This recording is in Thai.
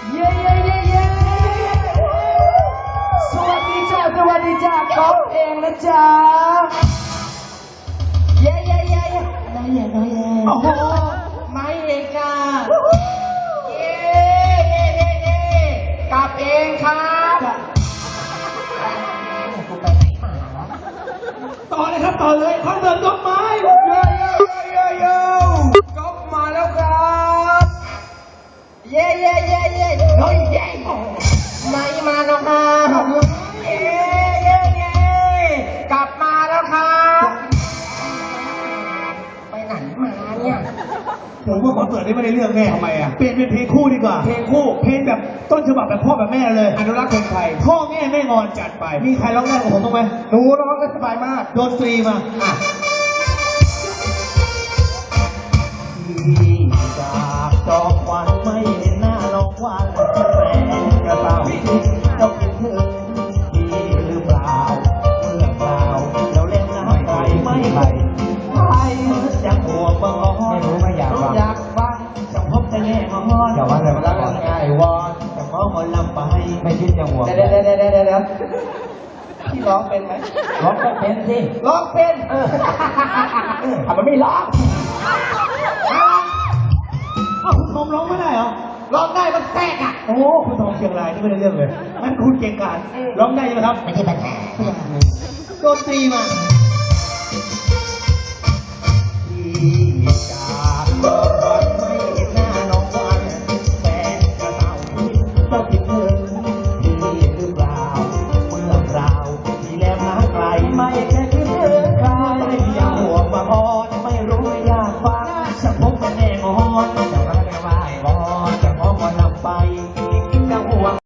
เย้เย้เย้เย้สวัสดีจ้าสวัสดีจ้าก๊อฟเองนะจ๊ะเย้เย้เย้เย้น้อยเย้น้อยเย้โอ้โหไม่เองค่ะเย้เย้เย้เย้กลับเองครับกูไปไหนมาต่อเลยครับต่อเลยคอนเสิร์ตก๊อฟไม้เย้เย้เย้เย้ก๊อฟมาแล้วครับเย้เย้เย้เย้เฮ้ยเย้ไม่มาแล้วครับเย้เย้เย้กลับมาแล้วครับไปไหนมาเนี่ยผมว่าคอนเสิร์ตนี้ไม่ได้เรื่องแน่ทำไมอ่ะเปลี่ยนเป็นเพลงคู่ดีกว่าเพลงคู่เพลงแบบต้นฉบับแบบพ่อแบบแม่เลยอนุรักษ์เพลงไทยพ่อแง่แม่งอนจัดไปมีใครร้องได้กับผมบ้างไหมหนูร้องได้สบายมากโดนตรีมาที่จากจอมควันไม่เห็นหน้าน้องวันแรงกระเต่าเจ้าคิดถึงพี่หรือเปล่าเมื่อเปล่าเราเล่นน้ำไกลไม่ไกลใครจะห่วงบังอ้อนไม่อยากฟังจะพบจะแง่งอนอย่าว่าแต่รักง่ายวอนจะมองคนลำไปไม่คิดจะห่วงเดี๋ยวพี่ร้องเป็นไหมร้องก็เป็นสิร้องเป็นทำไมไม่ร้องคุณทอมร้องไม่ได้เหรอร้องได้มันแทรกอ่ะโอ้คุณทอมเชียงรายนี่ไม่ได้เรื่องเลยงั้นคุณเก่งกาจร้องได้ใช่ไหมครับไม่ใช่ปัญหาโดนตรีมาที่